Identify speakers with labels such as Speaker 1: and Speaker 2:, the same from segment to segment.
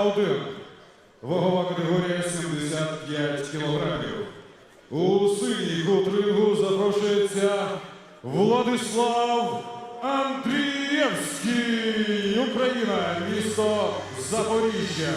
Speaker 1: 1. Вагова категорія 75 кілограмів. У синій кут рингу запрошується Владислав Андрієвський, Україна, місто Запоріжжя.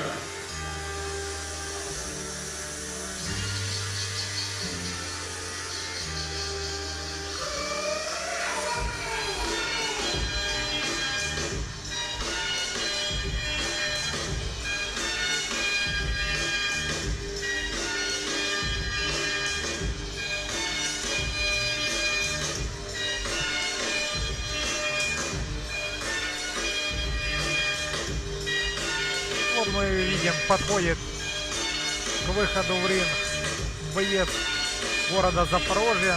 Speaker 2: Вот мы видим, подходит к выходу в ринг боец города Запорожья.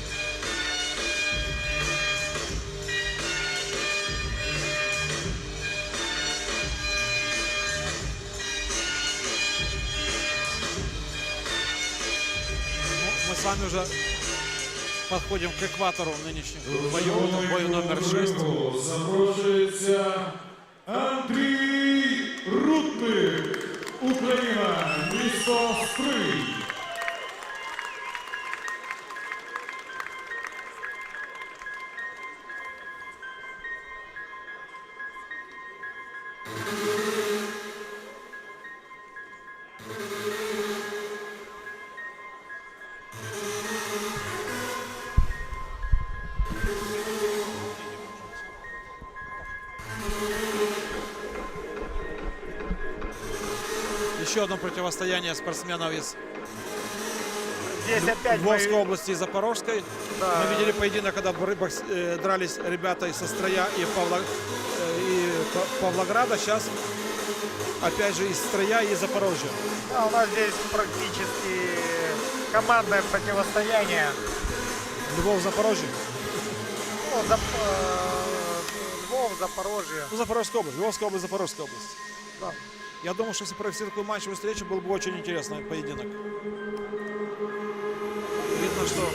Speaker 3: Мы с вами уже подходим к экватору нынешнего боя, бою номер 6.
Speaker 1: Запрошується Андрій Рудник, Україна, місто Стрий.
Speaker 3: Еще одно противостояние спортсменов из
Speaker 2: Здесь опять
Speaker 3: Львовской области и Запорожской.
Speaker 2: Да.
Speaker 3: Мы видели поединок, когда дрались ребята из Строя и Павлограда. Сейчас опять же из Строя и Запорожья.
Speaker 2: Да, у нас здесь практически командное противостояние.
Speaker 3: Львов, Запорожье.
Speaker 2: Ну, Львов, Запорожье.
Speaker 3: Ну, Запорожская область. Львовская область, Запорожская область.
Speaker 2: Да.
Speaker 3: Я думаю, что если провести такую матчевую встречу, был бы очень интересный поединок. Видно, что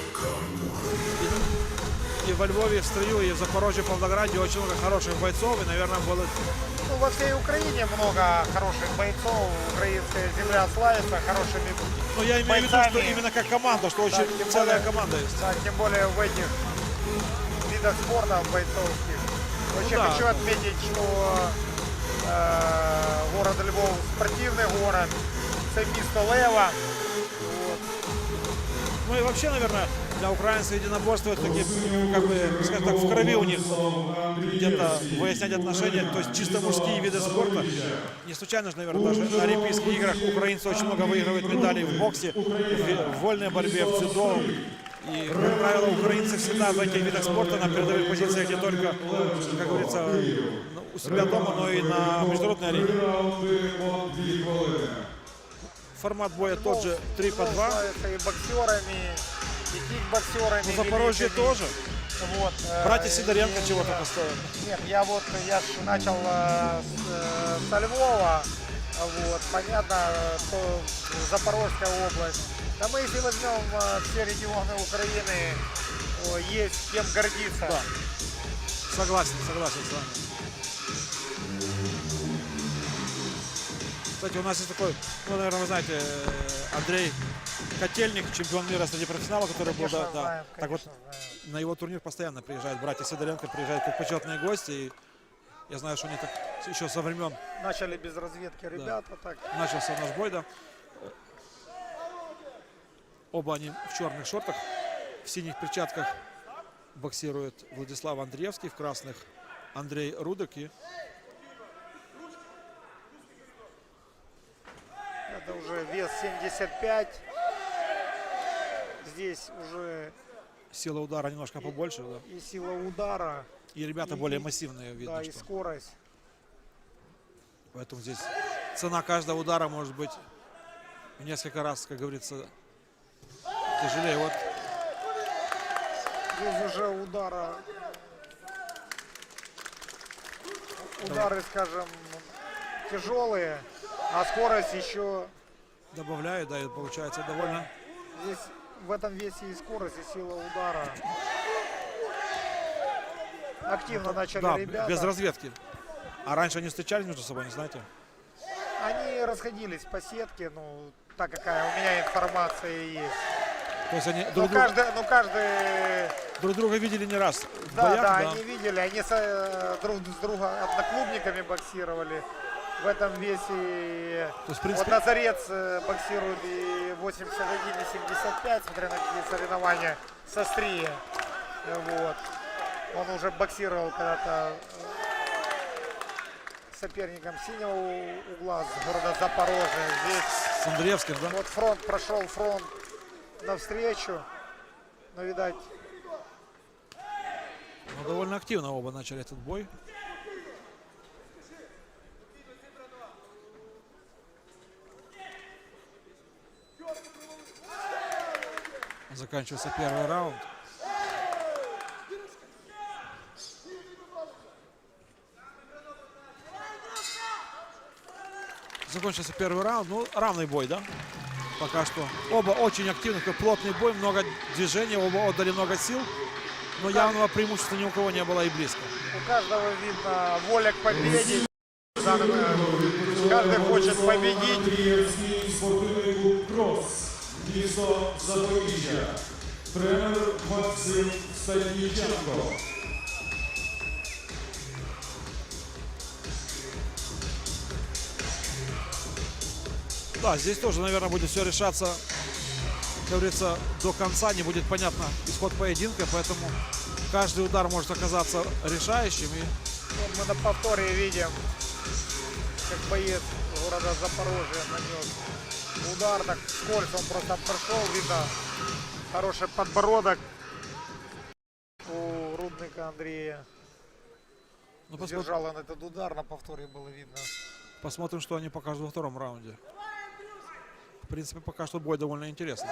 Speaker 3: и во Львове, и в Строю, и в Запорожье, в Павлограде очень много хороших бойцов. И, наверное, было...
Speaker 2: Ну, во всей Украине много хороших бойцов. Украинская земля славится хорошими
Speaker 3: Но я имею в виду,
Speaker 2: бойцами.
Speaker 3: что именно как команда, что очень
Speaker 2: тем
Speaker 3: целая
Speaker 2: более-
Speaker 3: команда есть.
Speaker 2: Да, тем более в этих видах спорта бойцовских. Очень
Speaker 3: да.
Speaker 2: хочу отметить, что город Львов спортивный город, це місто Лева. Вот.
Speaker 3: Ну и вообще, наверное, для украинцев единоборство это такие, как бы, скажем так, в крови у них где-то выяснять отношения, то есть чисто мужские виды спорта. Не случайно же, наверное, даже на Олимпийских играх украинцы очень много выигрывают медалей в боксе, в вольной борьбе, в дзюдо. И, как правило, украинцы всегда в этих видах спорта на передовых позициях не только, как говорится, у себя дома, но и на международной арене. Формат боя тот же 3 по 2.
Speaker 2: Славится и боксерами, и кикбоксерами.
Speaker 3: Ну, Запорожье
Speaker 2: великими.
Speaker 3: тоже.
Speaker 2: Вот,
Speaker 3: Братья Сидоренко чего
Speaker 2: да.
Speaker 3: только стоят.
Speaker 2: Нет, я ж начал со Львова. Вот, понятно, что Запорожская область. Да мы, если возьмем все регионы Украины, есть кем гордиться.
Speaker 3: Да. Согласен с вами. Кстати, у нас есть такой, ну, наверное, вы знаете, Андрей Котельник, чемпион мира среди профессионалов, который
Speaker 2: Конечно,
Speaker 3: был,
Speaker 2: знаем,
Speaker 3: так вот,
Speaker 2: знаем.
Speaker 3: на его турнир постоянно приезжают братья Сидоренко, приезжают как почетные гости. И я знаю, что они так еще со времен
Speaker 2: Начали без разведки ребята. Так.
Speaker 3: начался наш бой, да. Оба они в черных шортах, в синих перчатках боксирует Владислав Андреевский, в красных Андрей Рудок. И
Speaker 2: Это уже вес 75. Здесь уже
Speaker 3: сила удара немножко побольше, да.
Speaker 2: и сила удара,
Speaker 3: И ребята более массивные, видно,
Speaker 2: да, и
Speaker 3: что.
Speaker 2: скорость.
Speaker 3: Поэтому здесь цена каждого удара может быть в несколько раз, как говорится, тяжелее. Вот
Speaker 2: Здесь уже удары, скажем, тяжелые, а скорость еще.
Speaker 3: добавляю, да, и получается довольно.
Speaker 2: Здесь в этом весе и скорость, и сила удара. Активно начали
Speaker 3: Да,
Speaker 2: ребята.
Speaker 3: без разведки. А раньше они встречались между собой, не знаете?
Speaker 2: Они расходились по сетке, ну, так какая у меня информация есть.
Speaker 3: То есть они
Speaker 2: Ну, каждый,
Speaker 3: друг друга видели не раз в
Speaker 2: да,
Speaker 3: боях,
Speaker 2: да,
Speaker 3: да.
Speaker 2: они видели, они друг с другом одноклубниками боксировали в этом весе.
Speaker 3: То есть, в принципе,
Speaker 2: Вот Назарец боксирует и 81, и 75, смотря на какие соревнования, с острия. Вот. Он уже боксировал когда-то соперником синего угла с города Запорожье. Здесь
Speaker 3: с Андреевским, да?
Speaker 2: вот прошел фронт навстречу. Но, видать,
Speaker 3: Ну, довольно активно оба начали этот бой. Заканчивается первый раунд. Закончился первый раунд. Ну, равный бой, да? Пока что. Оба очень активны, такой плотный бой, много движений, оба отдали много сил. Но явного преимущества ни у кого не было и близко.
Speaker 2: у каждого видно воля к победе. Каждый хочет победить.
Speaker 1: Андріївський спортивний клуб «Крос», місто Запоріжжя. Тренер Максим Стадніченко.
Speaker 3: Да, здесь тоже, наверное, будет все решаться, как говорится, до конца. Не будет понятно исход поединка, поэтому каждый удар может оказаться решающим. И
Speaker 2: Вот мы на повторе видим, как боец города Запорожье нанес удар. Так вскользь он просто прошел. Видно хороший подбородок у Рудника Андрея.
Speaker 3: ну,
Speaker 2: Держал он этот удар, на повторе было видно.
Speaker 3: посмотрим, что они покажут во втором раунде. В принципе, пока что бой довольно интересный.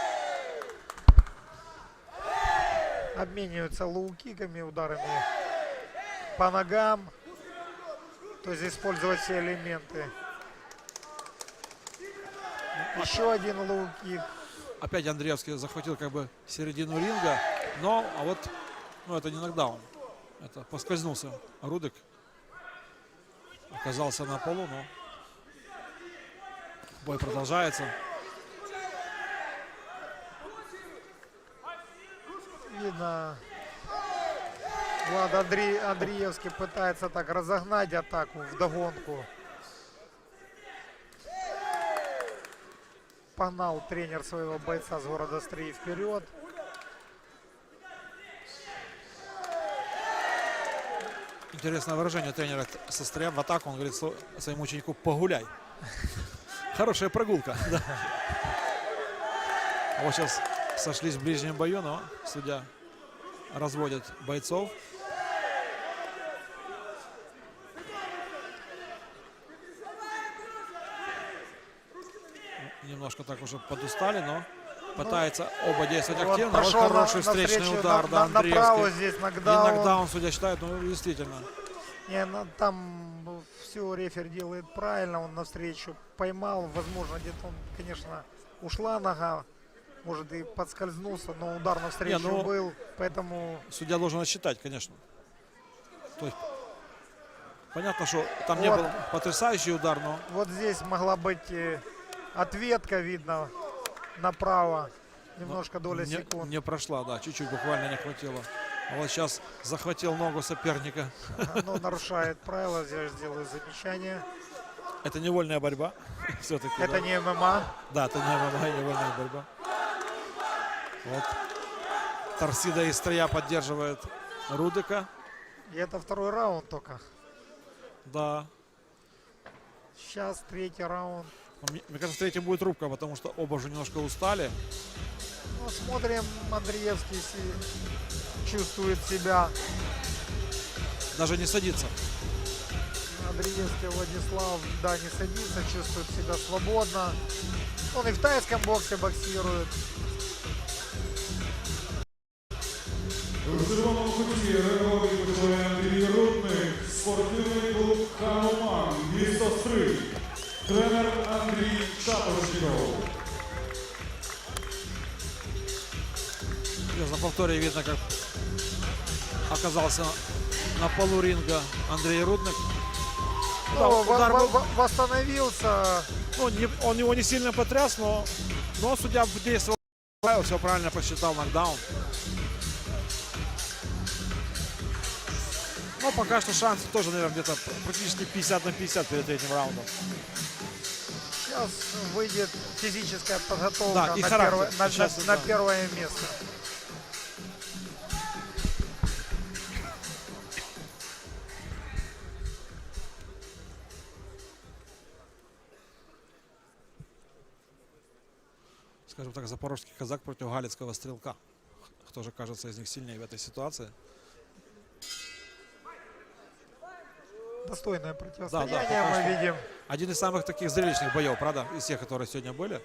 Speaker 2: Обмениваются лоу-киками, ударами по ногам. То есть использовать все элементы. Еще один лоу-кик.
Speaker 3: Опять Андреевский захватил как бы середину ринга, но а вот ну, это не нокдаун. Это поскользнулся Рудик. Оказался на полу, но бой продолжается.
Speaker 2: Видно, Влад Андреевский пытается так разогнать атаку вдогонку. Погнал тренер своего бойца с города Стрий вперед.
Speaker 3: Интересное выражение тренера со Стрия в атаку. Он говорит своему ученику: погуляй. Хорошая прогулка. Да. Вот сейчас сошлись в ближнем бою, но судья разводит бойцов. Немножко так уже подустали, но пытается оба действовать
Speaker 2: Вот
Speaker 3: активно. Вот
Speaker 2: прошел
Speaker 3: хороший встречный
Speaker 2: навстречу
Speaker 3: удар, да,
Speaker 2: направо
Speaker 3: Андреевский.
Speaker 2: здесь
Speaker 3: И
Speaker 2: нокдаун.
Speaker 3: нокдаун, судья считает, ну действительно.
Speaker 2: Не, ну, там все рефер делает правильно, он навстречу поймал, возможно, где-то он, конечно, ушла нога, может и подскользнулся, но удар навстречу
Speaker 3: Не, ну,
Speaker 2: был, поэтому
Speaker 3: Судья должен отсчитать, конечно. То есть, понятно, что там не
Speaker 2: Вот.
Speaker 3: был потрясающий удар, но
Speaker 2: вот здесь могла быть ответка, видно, направо, немножко доля секунд.
Speaker 3: не прошла, да, чуть-чуть буквально не хватило. А вот сейчас захватил ногу соперника.
Speaker 2: Но нарушает правила, здесь делаю замечание.
Speaker 3: Это невольная борьба. Все-таки.
Speaker 2: Это
Speaker 3: да.
Speaker 2: не ММА.
Speaker 3: Да, это не ММА, невольная борьба. Вот. Торсида из Стрия поддерживает Рудика.
Speaker 2: И это второй раунд только.
Speaker 3: Да.
Speaker 2: Сейчас третий раунд.
Speaker 3: Мне кажется, третий будет рубка, потому что оба уже немножко устали.
Speaker 2: Ну, смотрим, Андреевский чувствует себя.
Speaker 3: Даже не садится.
Speaker 2: Андреевский Владислав, да, не садится, чувствует себя свободно. Он и в тайском боксе боксирует.
Speaker 1: В червоному куті ринговий починає Андрій Рудник, спортивний клуб «Хануман», місто Стрий. Тренер Андрій Шапошников.
Speaker 3: На повторе видно, как оказался на полу ринга Андрей Рудник. да, удар был,
Speaker 2: Восстановился.
Speaker 3: ну, он его не сильно потряс, но судья действовал, все правильно посчитал, нокдаун. Но пока что шансы тоже, наверное, где-то практически 50 на 50 перед третьим раундом.
Speaker 2: Сейчас выйдет физическая подготовка
Speaker 3: Да, и характер. Сейчас,
Speaker 2: на
Speaker 3: да.
Speaker 2: первое место.
Speaker 3: Скажем так, запорожский казак против галицкого стрелка. Кто же кажется из них сильнее в этой ситуации?
Speaker 2: Достойное
Speaker 3: Да,
Speaker 2: противостояние
Speaker 3: пока
Speaker 2: мы
Speaker 3: что
Speaker 2: видим.
Speaker 3: один из самых таких зрелищных боев, правда, из тех, которые сегодня были.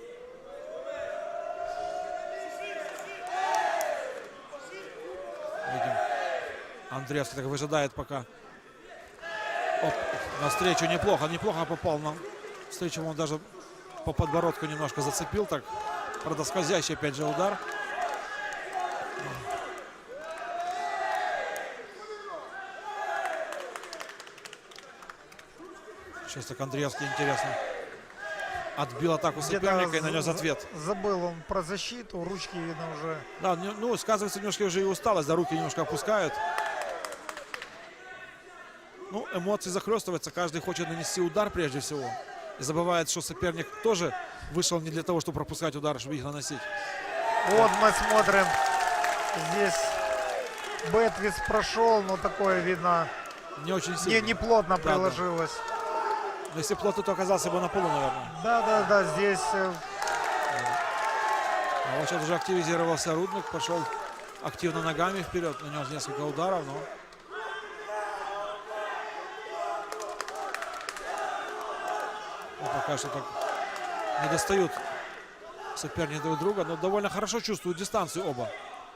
Speaker 3: Видим, Андреевский так выжидает пока. Оп, навстречу неплохо попал на встречу, он даже по подбородку немножко зацепил, так, правда, скользящий опять же удар. Сейчас так Андреевский, интересно, отбил атаку соперника и нанес ответ.
Speaker 2: Забыл он про защиту, ручки видно уже.
Speaker 3: Да, ну, сказывается немножко уже и усталость, да, руки немножко опускают. Ну, эмоции захлестываются, каждый хочет нанести удар прежде всего. И забывает, что соперник тоже вышел не для того, чтобы пропускать удары, чтобы их наносить.
Speaker 2: Вот мы смотрим. Здесь Бэтвис прошел, но такое видно
Speaker 3: Не очень сильно.
Speaker 2: не плотно
Speaker 3: Да,
Speaker 2: приложилось.
Speaker 3: Но если плотно, то оказался бы на полу, наверное.
Speaker 2: Да, здесь
Speaker 3: А вот сейчас уже активизировался Рудник, пошел активно ногами вперед, нанес несколько ударов, но... Ну, пока что так не достают соперники друг друга, но довольно хорошо чувствуют дистанцию оба.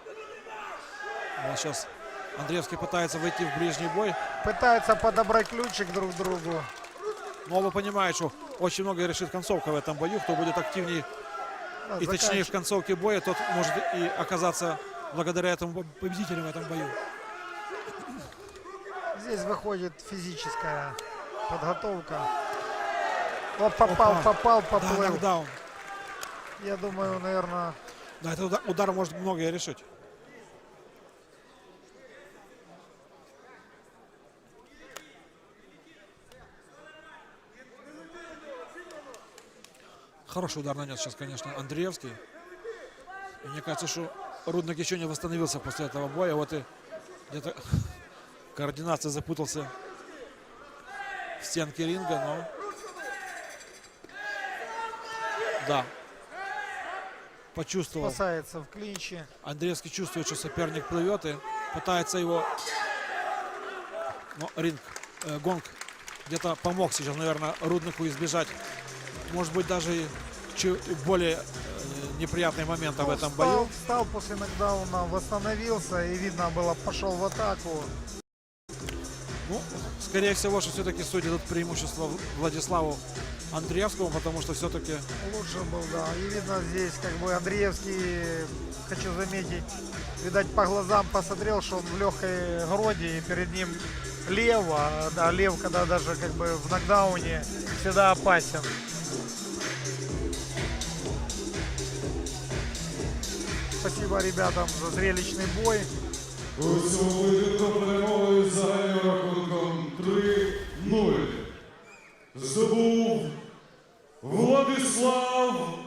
Speaker 3: Вот сейчас Андреевский пытается войти в ближний бой,
Speaker 2: пытаются подобрать ключик друг к другу.
Speaker 3: но оба понимают, что очень многое решит концовка в этом бою. Кто будет активнее
Speaker 2: Да,
Speaker 3: и точнее в концовке боя, тот может и оказаться благодаря этому победителем в этом бою.
Speaker 2: Здесь выходит физическая подготовка. Вот попал,
Speaker 3: Опа. Да,
Speaker 2: поплыл.
Speaker 3: нокдаун.
Speaker 2: Я думаю, наверное,
Speaker 3: Да, этот удар может многое решить. Хороший удар нанес сейчас, конечно, Андреевский. И мне кажется, что Рудник еще не восстановился после этого боя. Вот и где-то координация запутался в стенке ринга, но... Да. Почувствовал.
Speaker 2: спасается в клинче.
Speaker 3: Андреевский чувствует, что соперник плывет и пытается его... Но ринг, гонг где-то помог сейчас, наверное, Руднику избежать, может быть, даже и более неприятные моменты в этом бою.
Speaker 2: Встал после нокдауна, восстановился и видно было, пошел в атаку.
Speaker 3: Ну, скорее всего, что все-таки судьи дадут преимущество Владиславу Андреевскому, потому что все-таки...
Speaker 2: Лучше был, да. И видно здесь, как бы Андреевский, хочу заметить, видать, по глазам посмотрел, что он в легкой груди, и перед ним лев, да, лев, когда даже как бы в нокдауне, всегда опасен. Спасибо ребятам за зрелищный бой.
Speaker 1: У цьому поєдинку перемогою з загальним рахунком 3-0 здобув Владислав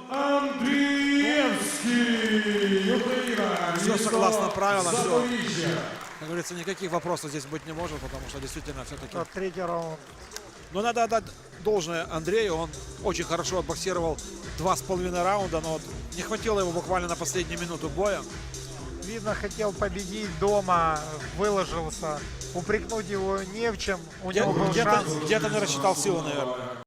Speaker 1: Андрієвський, Україна,
Speaker 3: Все согласно правилам, все.
Speaker 1: Запоріжжя.
Speaker 3: Как говорится, никаких вопросов здесь быть не может, потому что действительно все-таки...
Speaker 2: Вот третий раунд.
Speaker 3: Но надо отдать должное Андрею, он очень хорошо отбоксировал 2,5 раунда, но вот не хватило его буквально на последнюю минуту боя.
Speaker 2: Видно, хотел победить дома, выложился. Упрекнуть его не в чем. У него был шанс.
Speaker 3: Где-то не рассчитал силы, наверное.